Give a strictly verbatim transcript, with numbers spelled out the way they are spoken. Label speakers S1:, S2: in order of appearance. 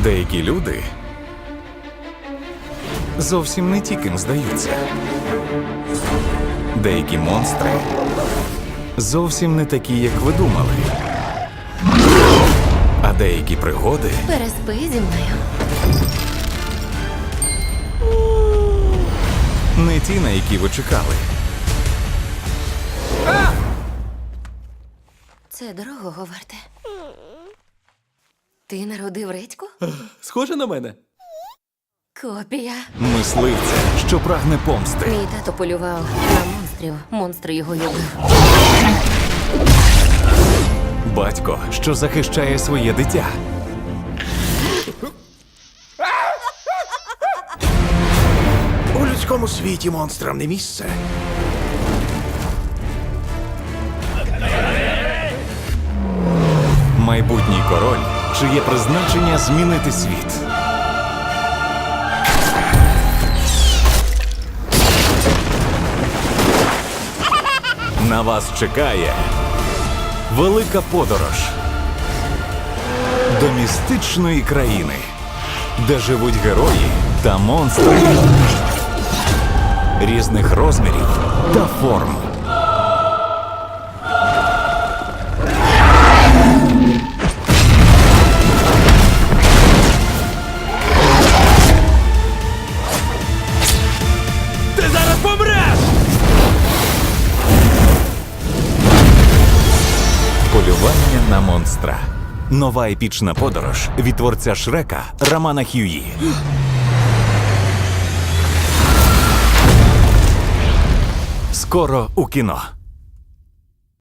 S1: Деякі люди зовсім не ті, ким здаються. Деякі монстри зовсім не такі, як ви думали. А деякі пригоди
S2: Переспи зі мною.
S1: не ті, на які ви чекали.
S2: Це дорогого варте. Ти народив редьку?
S3: Схоже на мене.
S2: Копія.
S1: Мисливця, що прагне помсти.
S2: Мій тато полював на монстрів. Монстр його любив.
S1: Батько, що захищає своє дитя.
S4: У людському світі монстрам не місце.
S1: Майбутній король, чиє призначення змінити світ. На вас чекає велика подорож до містичної країни, де живуть герої та монстри різних розмірів та форм.
S3: Ти зараз помреш!
S1: Полювання на монстра. Нова епічна подорож від творця Шрека Романа Х'юї. Скоро у кіно.